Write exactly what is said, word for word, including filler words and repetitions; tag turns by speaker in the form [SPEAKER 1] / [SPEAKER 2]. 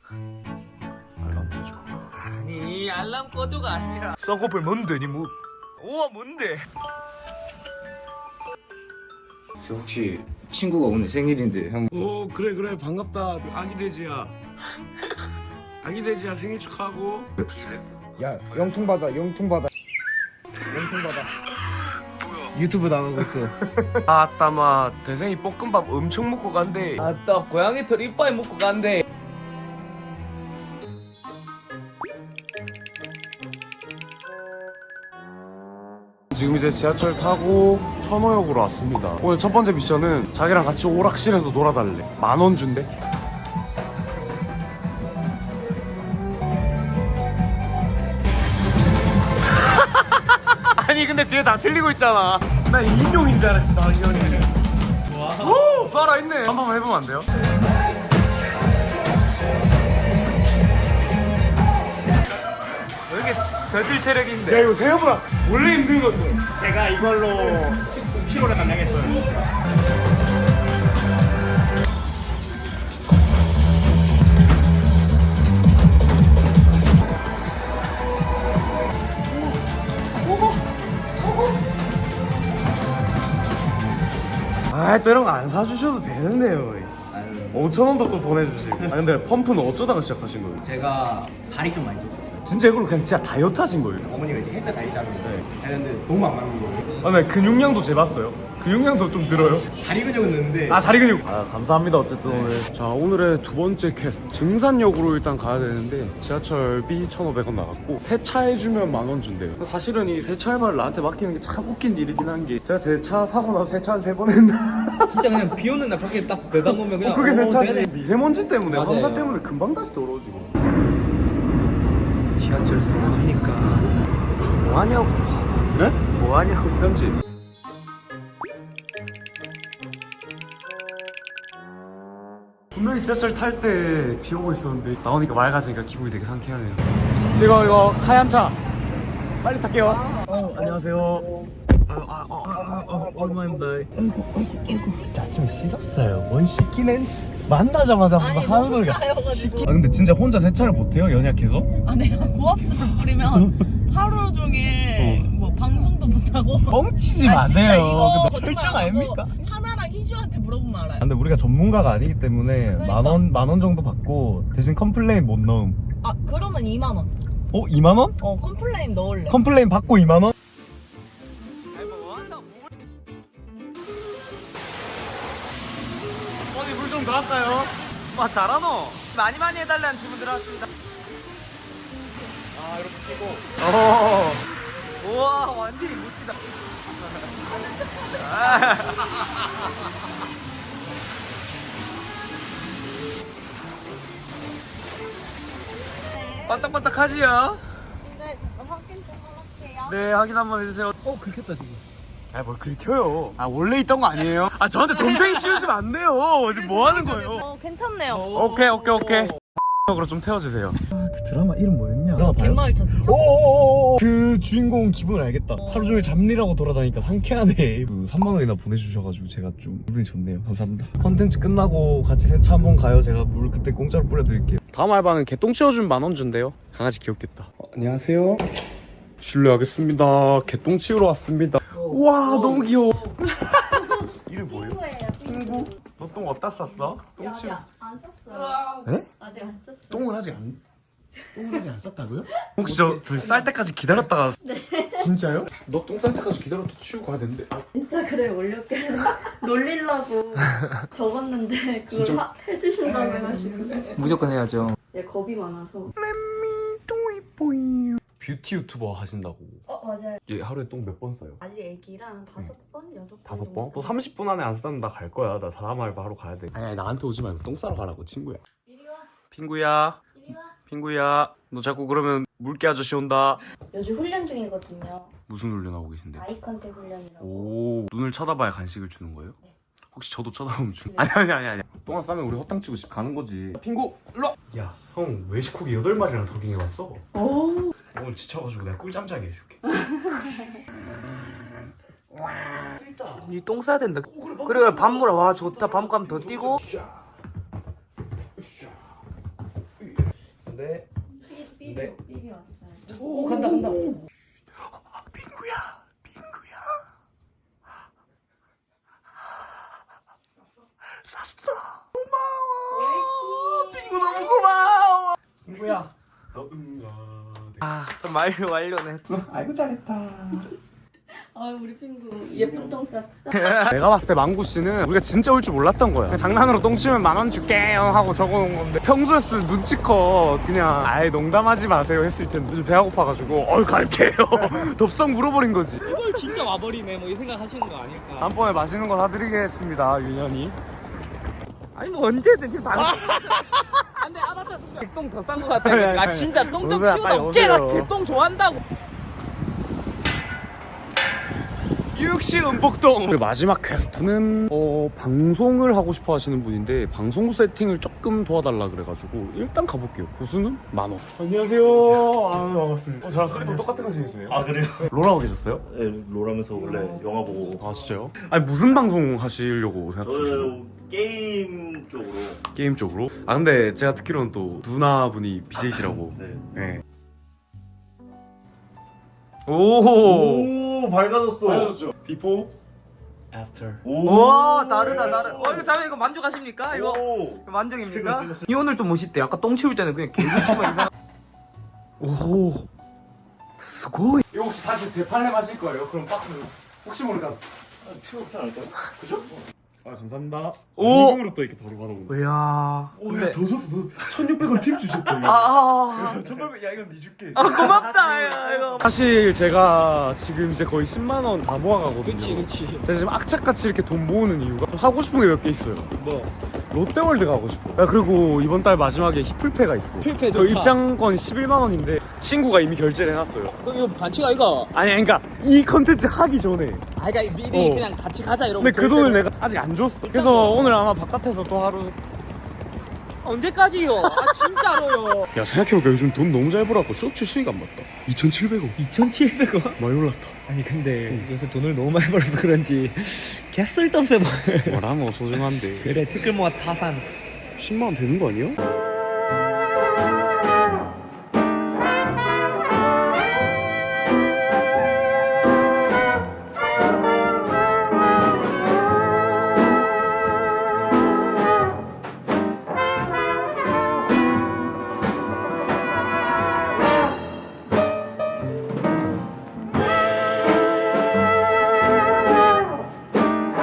[SPEAKER 1] 알람 꺼줘.
[SPEAKER 2] 아니 알람 꺼줘가 아니라
[SPEAKER 1] 쌍꺼풀 뭔데 니 뭐? 우와 뭔데?
[SPEAKER 3] 저 혹시 친구가 오늘 생일인데 형.
[SPEAKER 1] 오 그래 그래 반갑다 아기 돼지야. 아기 돼지야 생일 축하하고.
[SPEAKER 3] 야 영통 받아 영통 받아 영통 받아. 유튜브 나가고 있어.
[SPEAKER 1] 아따마 대생이 볶음밥 엄청 먹고 간대.
[SPEAKER 2] 아따 고양이 털 이빨 먹고 간대.
[SPEAKER 1] 지금 이제 지하철 타고 천호역으로 왔습니다. 오늘 첫 번째 미션은 자기랑 같이 오락실에서 놀아달래. 만 원 준대. 아니 근데 뒤에 다 틀리고 있잖아. 나 인형인 줄 알았지. 나 인형이. 오 살아있네. 한 번만 해보면 안 돼요?
[SPEAKER 2] 왜 이렇게 저질 체력인데?
[SPEAKER 1] 야 이거 생각보다 원래 힘든 건데.
[SPEAKER 4] 제가 이걸로 피로를 감량했어요.
[SPEAKER 1] 아 또 이런 거 안 사주셔도 되는데요. 오천 원도 또 보내주시고. 아 근데 펌프는 어쩌다가 시작하신 거예요?
[SPEAKER 4] 제가 살이 좀 많이 쪘었어요.
[SPEAKER 1] 진짜 이걸로 그냥 진짜 다이어트 하신 거예요?
[SPEAKER 4] 어머니가 이제 헬스 다니자고
[SPEAKER 1] 네.
[SPEAKER 4] 하는데 너무 안 맞는 거예요.
[SPEAKER 1] 아, 네 근육량도 재봤어요. 근육량도 좀 늘어요.
[SPEAKER 4] 다리 근육은 는데
[SPEAKER 1] 아 다리 근육. 아 감사합니다 어쨌든 오늘. 자 오늘의 두 번째 퀘스트 증산역으로 일단 가야 되는데 지하철비 천오백 원 나갔고 세차해주면 만 원 준대요. 사실은 이 세차 알바를 나한테 맡기는 게 참 웃긴 일이긴 한 게 제가 제 차 사고 나서 세차 한 세 번 했나.
[SPEAKER 2] 진짜 그냥 비 오는 날 밖에 딱 내다보면 그냥
[SPEAKER 1] 어, 그게
[SPEAKER 2] 어,
[SPEAKER 1] 세차지.
[SPEAKER 2] 되네.
[SPEAKER 1] 미세먼지 때문에
[SPEAKER 2] 맞아요.
[SPEAKER 1] 황사 때문에 금방 다시 더러워지고.
[SPEAKER 2] 지하철 상황하니까 뭐하냐고.
[SPEAKER 1] 네?
[SPEAKER 2] 뭐하냐고.
[SPEAKER 1] 편지. 분명히 지하철 탈 때 비 오고 있었는데 나오니까 맑아지니까 기분이 되게 상쾌하네요. 제가 이거 하얀 차 빨리 탈게요. 어, 안녕하세요. 얼마인데? 아침에 씻었어요. 뭔 씻기는? 만나자마자 무슨 하는 소리가 씻기. 아 근데 진짜 혼자 세차를 못해요? 연약해서?
[SPEAKER 5] 아 내가 고압수를 뿌리면 하루 종일 뭐 방송도 못하고
[SPEAKER 1] 뻥치지
[SPEAKER 5] 아, 진짜
[SPEAKER 1] 마세요.
[SPEAKER 5] 이거
[SPEAKER 1] 근데 설정
[SPEAKER 5] 거짓말 안 하고
[SPEAKER 1] 아닙니까?
[SPEAKER 5] 하나랑 희주한테 물어보면 알아요.
[SPEAKER 1] 근데 우리가 전문가가 아니기 때문에
[SPEAKER 5] 그러니까.
[SPEAKER 1] 만 원, 만 원 정도 받고 대신 컴플레인 못 넣음.
[SPEAKER 5] 아 그러면 이만 원.
[SPEAKER 1] 어? 이만 원?
[SPEAKER 5] 어 컴플레인 넣을래.
[SPEAKER 1] 컴플레인 받고 이만 원? 어디 물 좀 나왔어요?
[SPEAKER 2] 와 잘하노. 많이 많이 해달라는 주문 들어왔습니다.
[SPEAKER 1] 아 이렇게 끼고.
[SPEAKER 2] 어. 우와 완전히 멋지다. 반딱반딱하지요?
[SPEAKER 5] 네 확인 좀 할게요.
[SPEAKER 1] 네 확인 한번 해주세요.
[SPEAKER 2] 어 긁혔다 지금.
[SPEAKER 1] 아뭘 긁혀요. 아 원래 있던 거 아니에요? 아 저한테 동생이 씌우시면 안 돼요. 지금 뭐 하는 거예요?
[SPEAKER 5] 어 괜찮네요.
[SPEAKER 1] 오케이 오케이 오케이. 으로 좀 태워주세요. 아, 그 드라마 이름 뭐였냐?
[SPEAKER 5] 어, 갯마을 차 진짜.
[SPEAKER 1] 오오오오 그 주인공 기분을 알겠다. 하루 종일 잡일하고 돌아다니니까 상쾌하네. 그 삼만 원이나 보내주셔가지고 제가 좀 기분이 좋네요. 감사합니다. 컨텐츠 끝나고 같이 세차 한번 가요. 제가 물 그때 공짜로 뿌려드릴게요. 다음 알바는 개똥 치워주면 만 원 준대요. 강아지 귀엽겠다. 어, 안녕하세요. 실례하겠습니다. 개똥 치우러 왔습니다. 와 너무 귀여워. 이름 뭐예요? 핑구. 너 똥 어디다 쌌어? 똥 치우.
[SPEAKER 5] 안 샀어요.
[SPEAKER 1] 에?
[SPEAKER 5] 아직 안 샀어요.
[SPEAKER 1] 똥을 아직 안 똥을 아직 안 쌌다고요? 혹시 저 저희 쌀 때까지 기다렸다가 네. 진짜요? 너 똥 쌀 때까지 기다려도 치우고 가야 되는데. 아,
[SPEAKER 5] 인스타그램에 올렸길래 놀리려고 적었는데 그걸
[SPEAKER 1] 진짜?
[SPEAKER 5] 하, 해주신다고 해가지고.
[SPEAKER 2] 무조건 해야죠.
[SPEAKER 5] 얘 겁이 많아서.
[SPEAKER 1] 뷰티 유튜버 하신다고.
[SPEAKER 5] 어 맞아요.
[SPEAKER 1] 얘 하루에 똥 몇 번 싸요?
[SPEAKER 5] 아직 애기랑 다섯 번, 여섯 번.
[SPEAKER 1] 다섯
[SPEAKER 5] 정도
[SPEAKER 1] 번? 또 삼십 분 안에 안 싸면 나 갈 거야. 나 다음 알바 하러 가야 돼. 아니, 아니 나한테 오지 말고 똥 싸러 가라고 친구야.
[SPEAKER 5] 이리 와.
[SPEAKER 1] 핑구야,
[SPEAKER 5] 이리 와.
[SPEAKER 1] 핑구야. 너 자꾸 그러면 물개 아저씨 온다.
[SPEAKER 5] 요즘 훈련 중이거든요.
[SPEAKER 1] 무슨 훈련하고 계신데요?
[SPEAKER 5] 아이 컨택 훈련이라고.
[SPEAKER 1] 오, 눈을 쳐다봐야 간식을 주는 거예요? 혹시 저도 쳐다보면 주? 아니 아니 아니 아니. 똥안 싸면 우리 허탕 치고 집 가는 거지. 핑구, 일로. 야, 형 외식코기 여덟 마리랑 도킹해 왔어.
[SPEAKER 5] 오.
[SPEAKER 1] 오늘 지쳐가지고 내가 꿀잠 자게 해줄게.
[SPEAKER 2] 니 똥 싸야 된다. 그래 밤물어. 와 좋다. 밤감 더 뛰고.
[SPEAKER 1] 네.
[SPEAKER 5] 삐,
[SPEAKER 1] 네.
[SPEAKER 5] 삐, 삐리 왔어요.
[SPEAKER 2] 오 간다 간다.
[SPEAKER 1] 빙구야, 빙구야. 쌌어. 고마워. 빙구 너무 고마워. 빙구야. 너 응가.
[SPEAKER 2] 아 완료 완료네.
[SPEAKER 1] 아이고 잘했다.
[SPEAKER 5] 아 우리 핑구 예쁜 똥 쌌어.
[SPEAKER 1] 내가 봤을 때 망구 씨는 우리가 진짜 올 줄 몰랐던 거야. 그냥 장난으로 똥 치면 만 원 줄게요 하고 적어놓은 건데 평소였으면 눈치껏 그냥 아예 농담하지 마세요 했을 텐데 요즘 배가 고파가지고 어이 갈게요. 덥석 물어버린 거지.
[SPEAKER 2] 이걸 진짜 와버리네 뭐 이 생각 하시는 거 아닐까.
[SPEAKER 1] 다음번에 맛있는 거 사드리겠습니다 윤현이.
[SPEAKER 2] 아니 뭐 언제든 지금 당근. 안돼 아바타 순간 똥 더 싼 거 같아.
[SPEAKER 1] 아니, 아니,
[SPEAKER 2] 아
[SPEAKER 1] 아니.
[SPEAKER 2] 진짜 똥 좀
[SPEAKER 1] 오세요,
[SPEAKER 2] 치우다
[SPEAKER 1] 빨리
[SPEAKER 2] 어깨가
[SPEAKER 1] 오세요.
[SPEAKER 2] 개똥 좋아한다고.
[SPEAKER 1] 육시 음복동. 마지막 퀘스트는 어, 방송을 하고 싶어 하시는 분인데 방송 세팅을 조금 도와달라 그래가지고 일단 가볼게요. 고수는 만 원. 안녕하세요. 아 반갑습니다. 어, 저랑 쓰리도 똑같은 거 신으시네요.
[SPEAKER 6] 아 그래요?
[SPEAKER 1] 롤하고 계셨어요?
[SPEAKER 6] 네, 롤하면서 원래 영화 보고
[SPEAKER 1] 아 진짜요? 아니 무슨 방송 하시려고 생각 중이세요?
[SPEAKER 6] 저는 게임 쪽으로.
[SPEAKER 1] 게임 쪽으로? 아 근데 제가 듣기로는 또 누나분이 비제이시라고.
[SPEAKER 6] 네.
[SPEAKER 1] 네. 오.
[SPEAKER 6] 오 밝아졌어.
[SPEAKER 1] 비포.
[SPEAKER 6] After.
[SPEAKER 2] 와 다르다 다르다. 어 이거 자매 이거 만족하십니까? 이거
[SPEAKER 6] 오.
[SPEAKER 2] 이거 만족입니까? 이 오늘 좀 멋있대. 아까 똥 치울 때는 그냥 개구 치면 이상.
[SPEAKER 1] 오. 스고이. 이거 혹시 다시 대팔렘 하실 거예요? 그럼 박스 혹시 모르니까.
[SPEAKER 6] 필요 없지 않을까요?
[SPEAKER 1] 아 감사합니다.
[SPEAKER 2] 오!
[SPEAKER 1] 현금으로 또 이렇게 바로 받아보네.
[SPEAKER 2] 이야.
[SPEAKER 1] 오야 더 줬어 더. 천육백 원 팁 주셨다 이거.
[SPEAKER 2] 아, 아,
[SPEAKER 1] 천팔백 야 이건 네 줄게.
[SPEAKER 2] 아 고맙다 야, 이거.
[SPEAKER 1] 사실 제가 지금 이제 거의 십만 원 다 모아가거든요.
[SPEAKER 2] 그렇지 그렇지.
[SPEAKER 1] 제가 지금 악착같이 이렇게 돈 모으는 이유가 좀 하고 싶은 게 몇 개 있어요.
[SPEAKER 2] 뭐
[SPEAKER 1] 롯데월드 가고 싶어. 야, 그리고 이번 달 마지막에 히플페가 있어.
[SPEAKER 2] 히플페
[SPEAKER 1] 저
[SPEAKER 2] 좋다.
[SPEAKER 1] 입장권이 십일만 원인데 친구가 이미 결제를 해놨어요.
[SPEAKER 2] 그럼 이거 반칙 아이가?
[SPEAKER 1] 아니 그러니까 이 컨텐츠 하기 전에.
[SPEAKER 2] 아 그러니까 미리
[SPEAKER 1] 어.
[SPEAKER 2] 그냥 같이 가자 이러고.
[SPEAKER 1] 근데 그 돈을
[SPEAKER 2] 결제를-
[SPEAKER 1] 내가 아직 안 줬어. 그래서 오늘 아마 바깥에서 또 하루.
[SPEAKER 2] 언제까지요? 아 진짜로요.
[SPEAKER 1] 야 생각해보니까 요즘 돈 너무 잘 벌어갖고 쇼츠 수익 안 봤다. 이천칠백 원.
[SPEAKER 2] 이천칠백 원?
[SPEAKER 1] 많이 올랐다.
[SPEAKER 2] 아니 근데 요새 돈을 너무 많이 벌어서 그런지 개 쓸데없어 보여.
[SPEAKER 1] 뭐라노 소중한데.
[SPEAKER 2] 그래 티끌모아 타산.
[SPEAKER 1] 십만 원 되는 거 아니야?